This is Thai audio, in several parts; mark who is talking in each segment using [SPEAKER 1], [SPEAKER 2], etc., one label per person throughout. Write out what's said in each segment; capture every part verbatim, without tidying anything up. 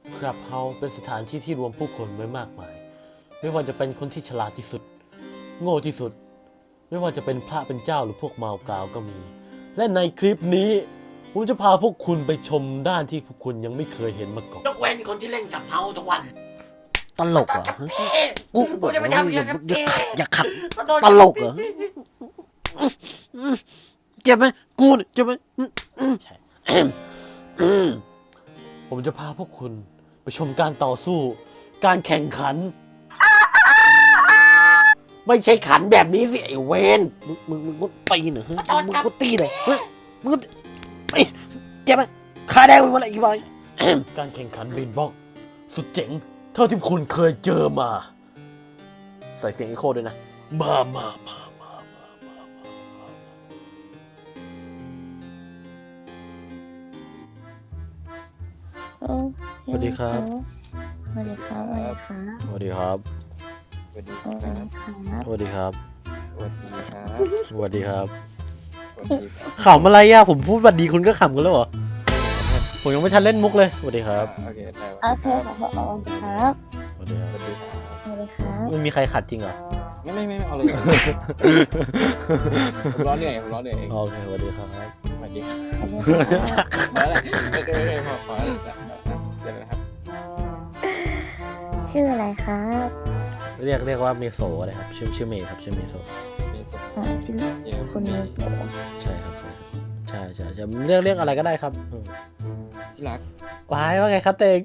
[SPEAKER 1] คลับเฮาส์เป็นสถานที่ที่รวมผู้คนไว้มากมายไม่ว่าจะเป็นคนที่ฉลาดที่สุดโง่ที่สุดไม่ว่าจะเป็นพระเป็นเจ้าหรือพวกมาวกาวก็มีและในคลิปนี้ผมจะพาพวกคุณไปชมด้านที่พวกคุณยังไม่เคยเห็นมาก่อนยกเว้นคนที่เล่นกับเฮาทุกวัน
[SPEAKER 2] ตลกเหรอกูบอกว่าอย่าขับตลกเหรอเจ็บไหมกูเนี่ยเจ็บไหม
[SPEAKER 1] ใช่ผมจะพาพวกคุณไปชมการต่อสู้การแข่งขันไม่ใช่ขันแบบนี้สิไอ้เวน
[SPEAKER 2] มึงมึงมึงก็ตีหน่อยมึงก็ตีหน่อยเฮ้ยมึงก็เจ็บไหมขาแดงไปหมดเลยอีกบอย
[SPEAKER 1] การแข่งขันบีทบ็อกซ์สุดเจ๋งเท่าที่คุณเคยเจอมาใส่เสียงอีโคด้วยนะมามามามามามาสวัสดีครับ
[SPEAKER 3] สวัสดีครับ
[SPEAKER 1] สวัสดีครับ
[SPEAKER 3] สวัสดีครับ
[SPEAKER 1] สวัสดีครับ
[SPEAKER 3] สวัสดีครับ
[SPEAKER 1] สวัสดีครับ
[SPEAKER 3] สวัสดีครับ
[SPEAKER 1] ขำอะไรอ่ะผมพูดสวัสดีคุณก็ขำกันแล้วเหรอผมยังไม่ทันเล่นมุกเลยสวัสดีครับ
[SPEAKER 3] โอเคได้
[SPEAKER 2] โอเคครับสวัสดีครับ
[SPEAKER 1] สวัสดีครับ
[SPEAKER 3] สวัสดีครับ
[SPEAKER 2] สวัสดีครับ
[SPEAKER 1] ไม่มีใครขัดจริงเหรอ
[SPEAKER 3] ไม่ไม่ไม่เอาเลยผมร้อนเหนื่อยผมร้อนเหนื่อยเอง
[SPEAKER 1] โอเคสวัสดีครับ
[SPEAKER 3] สวัสดีครับพอแล้วไม่เคยไม่เคยพอพอแล้วเดี๋ยวนะครับ
[SPEAKER 2] ชื่ออะไรครับ
[SPEAKER 1] เรียกเรียกว่าเมโซอะไรครับชื่อชื่อเมย์ครับชื่อเมโซ
[SPEAKER 3] มีสุข
[SPEAKER 2] อ๋อชื่อ
[SPEAKER 3] เยอะ
[SPEAKER 2] คุณ
[SPEAKER 3] มี
[SPEAKER 2] เมย์
[SPEAKER 1] ใช่ครับใช่ใช่ใช่เรียกเรียกอะไรก็ได้ครับ
[SPEAKER 3] ที่รัก
[SPEAKER 1] ว้ายว่าไงครับเตง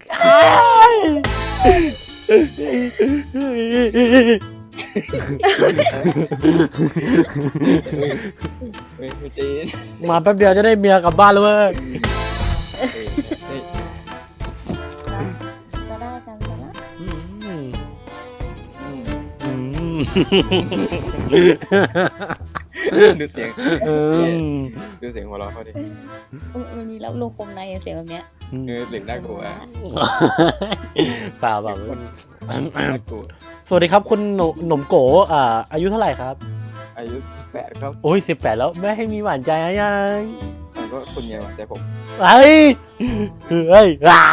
[SPEAKER 3] เฮ้ยไม่ตี
[SPEAKER 1] มาแป๊บเดียวจะได้เมียกลับบ้านแล้วเว้ย
[SPEAKER 2] จะได้กันแล้วนะ
[SPEAKER 1] อืม
[SPEAKER 3] อืม
[SPEAKER 1] อืม
[SPEAKER 3] ดูเสียง
[SPEAKER 1] อืม
[SPEAKER 3] ดูเสียงหัวเราะเขาดิ
[SPEAKER 2] มันมีรับลูกคมในเสียงแบบเนี้ย
[SPEAKER 3] เออเสียงน่ากลัว
[SPEAKER 1] เปล่าเปล่า
[SPEAKER 3] น่ากลัว
[SPEAKER 1] สวัสดีครับคุณหนหนมโกอ่าอายุเท่าไหร่ครับ
[SPEAKER 3] อายุสิบแปดครับ
[SPEAKER 1] โอ้ยสิบแปดแล้วไม่ให้มีหวานใจนะยัง
[SPEAKER 3] ผมก็คุณไงหวานใจผม
[SPEAKER 1] เฮ้ยเฮ้ยอ่า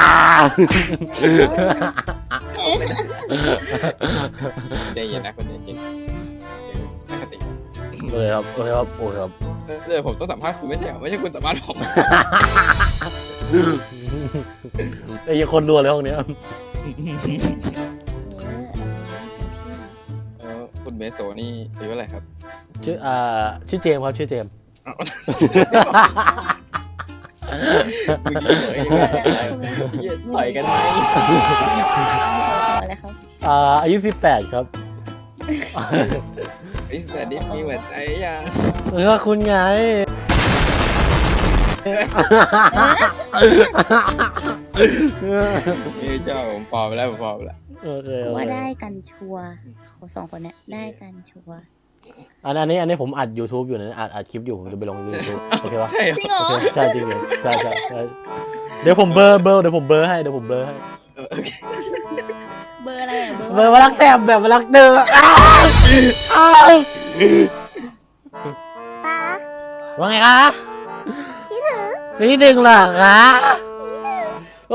[SPEAKER 3] ใจเย็นนะคนเย็นๆตั้งสติ
[SPEAKER 1] โอเคครับโอเคครับโอเคครับ
[SPEAKER 3] เดี๋ยวผมต้องสัมภาษณ์คุณไม่ใช่เหรอไม่ใช่คุณสัมภาษณ์ผม
[SPEAKER 1] ไอ้ยังคนรัวเลยห้องเนี้ย
[SPEAKER 3] เออคุณเมโซนี่อายุเท่าไหร่ครับ
[SPEAKER 1] ชื่ออ่าชื่อเจมส์ครับชื่อเจมส์
[SPEAKER 3] ต่อยกันไหม
[SPEAKER 2] อะไรครับ
[SPEAKER 1] อ่าอายุสิบแปดครับ
[SPEAKER 3] ไอ้สัตว์นี่มีหัวใจยัง
[SPEAKER 1] แล้วก็คุณไง
[SPEAKER 3] นี่เจ้าผมพอไปแล้วผมพอไปแล้ว
[SPEAKER 1] โอเคโอ
[SPEAKER 2] ว่า
[SPEAKER 1] เค
[SPEAKER 2] ได้กันชัวร์เขาสองคนเนี้ยได้กันชัวร์
[SPEAKER 1] อันอันนี้อันนี้ผมอัด YouTube อยู่นะอัดอัดคลิปอยู่ผมจะไปลง YouTube โอเคปะ
[SPEAKER 3] ใช่เหรอ
[SPEAKER 2] จริงเหรอ
[SPEAKER 1] โอเคใช่จริงเหรอใช่ใช่ใช่เดี๋ยวผมเบอร์เบอร์เดี๋ยวผมเบอร์ให้เดี๋ยวผมเบอร์ให้
[SPEAKER 3] โอเค
[SPEAKER 2] เบอร์อะไรอ่ะ
[SPEAKER 1] เบอร์มารักแต้มแบบมารักเดิมอ้าวอ้าว
[SPEAKER 2] ป้า
[SPEAKER 1] ว่าไงคะพี่ถึงเหรอคะโอ้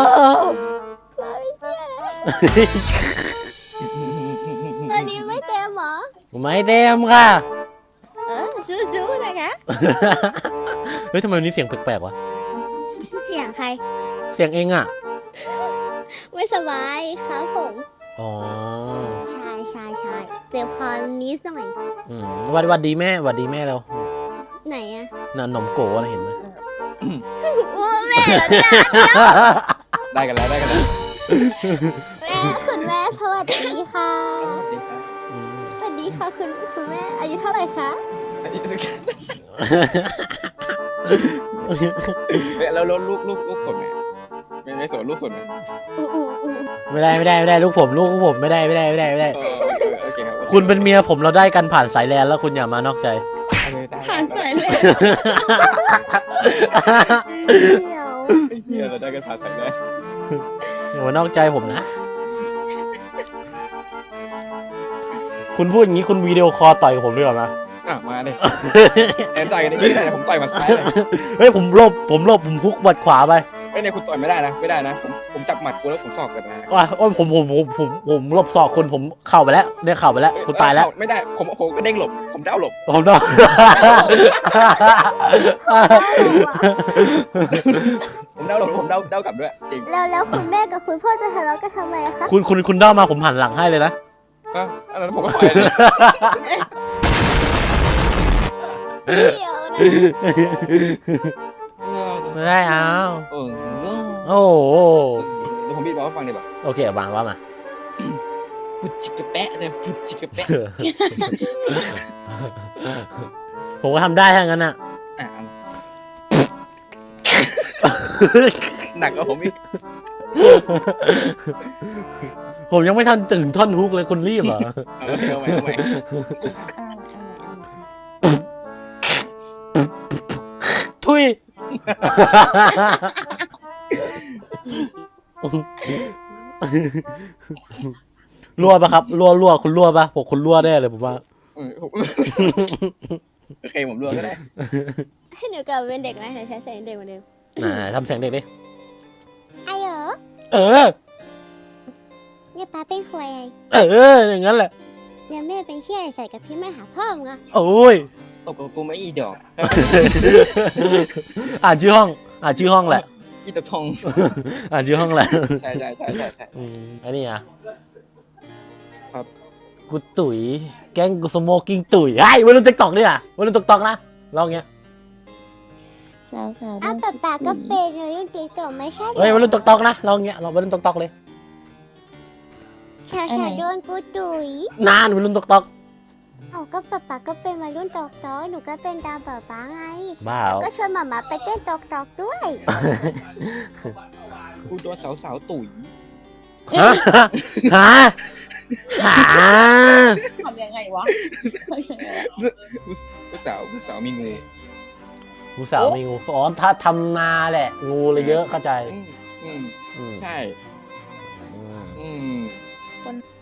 [SPEAKER 2] อันนี้ไม่เต็มเหรอ
[SPEAKER 1] ไม่เต็มค่ะ
[SPEAKER 2] เออซู้ๆนะคะ
[SPEAKER 1] เฮ้ยทำไมวันนี้เสียงแปลกๆวะ
[SPEAKER 2] เสียงใคร
[SPEAKER 1] เสียงเองอ่ะ
[SPEAKER 2] ไม่สบายครับผม
[SPEAKER 1] อ๋อ
[SPEAKER 2] ใช่ใช่ใช่เจ็บคอนิดหน่อย
[SPEAKER 1] อืมวัดวัดดีแม่วัดดีแม่เรา
[SPEAKER 2] ไหนอะ
[SPEAKER 1] น่ะหนมโกนะเห็นไหม
[SPEAKER 2] โอ้แม่เหรอเนี่ย
[SPEAKER 3] ได้กันแล้วได้กันแล้ว
[SPEAKER 2] แม่คุณแม่สวัสดีค่ะ
[SPEAKER 3] สวัสดีครับ
[SPEAKER 1] อืม
[SPEAKER 2] สวัสดีค่ะคุณคุณแม่อายุเท่าไหร่คะ
[SPEAKER 3] เฮ้ยแล้วลูกลูกลูกลูกสดไหมไม่ไม่สดลูกสดไหม
[SPEAKER 2] อู้อู้อู้
[SPEAKER 1] ไม่ได้ไม่ได้ไม่ได้ลูกผมลูกผมไม่ได้ไม่ได้ไม่ได้ไม่ได้
[SPEAKER 3] เออโอเคครับ
[SPEAKER 1] คุณเป็นเมียผมเราได้กันผ่านสายแลนแล้วคุณอย่ามานอกใจ
[SPEAKER 2] ผ่านสายเลยเดี๋ยว
[SPEAKER 3] ไอ้เหี้ยเราได้กันผ่านสายเลย
[SPEAKER 1] อย่ามานอกใจผมนะ คุณพูดอย่างนี้คุณวิดีโอคอลต่อยกับผมด้วยเหรอนะ
[SPEAKER 3] อ่ะมาดิแอนต่อยกันนี่แต่ผมต่อยมาซ้ายเลย
[SPEAKER 1] เฮ้ยผมหลบผมหลบผมพุกบัดขวาไป
[SPEAKER 3] โอ้ยเนี่ยคุณต่อยไม่ได้นะไม่ได้นะผมผมจับหมัดคุณแล้วผมสอกกันนะ
[SPEAKER 1] ว่าโอ้ยผมผมผมผมผมหลบศอกคุณผมเข่าไปแล้วเนี่ยเข่าไปแล้วคุณตายแล้ว
[SPEAKER 3] ไม่ได้ผมผมก็เด้งหลบผมเด้าหลบ
[SPEAKER 1] ผมต้อง
[SPEAKER 3] ผมเด้าหลบผมเด้าเด้ากลับด้วยจริง
[SPEAKER 4] แล้วแล้วคุณแม่กับคุณพ่อจะทะเลาะกันทำไมคะ
[SPEAKER 1] คุณคุณคุณเด้ามาผมหันหลังให้เลยนะ
[SPEAKER 3] ก็อันนั้นผมก็ปล่อยเลย
[SPEAKER 4] เดี๋ยวนะ
[SPEAKER 1] ไม่ได้เอา
[SPEAKER 3] เออ
[SPEAKER 1] โอ้โห
[SPEAKER 3] เดี๋ยวผมบีบบอกให้ฟังดีป่ะ
[SPEAKER 1] โอเควางว่ามา
[SPEAKER 3] พุดจิกกระแปะเนี่ยพุดจิกกระแปะ
[SPEAKER 1] ผมก็ทำได้ทั้งนั้นอ่ะ
[SPEAKER 3] อ่ะหนักกว่าผมอีก
[SPEAKER 1] ผมยังไม่ทันถึงท่อนฮุกเลยคุณรีบเหรอ
[SPEAKER 3] เอาใหม่เอาใหม่เอาใหม่
[SPEAKER 1] ทุย รั่วปะครับรั่วรั่วคุณรั่วปะผมคุณรั่วแน่เลยผมว่า
[SPEAKER 3] เออผมโอเคผมรวมก็ได้
[SPEAKER 4] ให้หนูกลับเป็นเด็กไหมหนูใช้เสียงเด็กเหมือนเดิม
[SPEAKER 1] อ่าทำเสียงเด็กดิ
[SPEAKER 4] ไอ้เหรอ
[SPEAKER 1] เออ
[SPEAKER 4] เนี่ยป้าเป็นควายไง
[SPEAKER 1] เออ อย่างนั้นแหละ
[SPEAKER 4] เนี่ยแม่เป็นเชี่ยใส่กับพี่แม่หาพ่อมึงอะ
[SPEAKER 1] โอ้ย
[SPEAKER 3] ตบกับกูไม่อีดอก
[SPEAKER 1] อ่านชื่อห้อง อ่านชื่อห้องแหละ
[SPEAKER 3] อีตะทอง
[SPEAKER 1] อ่านชื่อห้องแหละ
[SPEAKER 3] ใช่ใช่ใช่ใช่ใช่
[SPEAKER 1] อืมอันนี้อ่ะ
[SPEAKER 3] ครับ
[SPEAKER 1] กูตุ๋ย แกงกูสโมกิ้งตุ๋ยไอ้ยวัยรุ่นติ๊กตอกนี่อ่ะวัยรุ่นติ๊กตอกนะลองเงี้ย
[SPEAKER 4] อ้าวป้าป้าก็เป็นเลยยุ่งติ๊กต็อกไม่ใช่เหร
[SPEAKER 1] เฮ้ยวัย
[SPEAKER 4] อ
[SPEAKER 1] รุ่นติ๊กตอกนะลองเงี้ยลองวัยรุ่นติ๊กตอกเลย
[SPEAKER 4] ชาวชาวโดนกูตุ๋ย
[SPEAKER 1] นานวัยรุ่นติ๊กตอก
[SPEAKER 4] เอาก็ป้าป้าก็เป็นวัยรุ่นตอกตอกหนูก็เป็นตามป้าป้าไง
[SPEAKER 1] บ้า
[SPEAKER 4] ก็ชวนหมามาไปเต้นตอกตอกด้วย
[SPEAKER 3] กูโดนสาวสาวๆตุ๋ย
[SPEAKER 1] ฮะฮะฮะ
[SPEAKER 5] ทำยังไงวะทำยังไงวะ
[SPEAKER 3] กูสาวกูสาวมีงู
[SPEAKER 1] งูสาวมีงูอ๋อถ้าทำนาแหละ งูเลยเยอะเข้าใจ
[SPEAKER 3] อืมอืม
[SPEAKER 1] อืม
[SPEAKER 3] ใช่
[SPEAKER 1] อืม
[SPEAKER 3] อืม
[SPEAKER 5] คน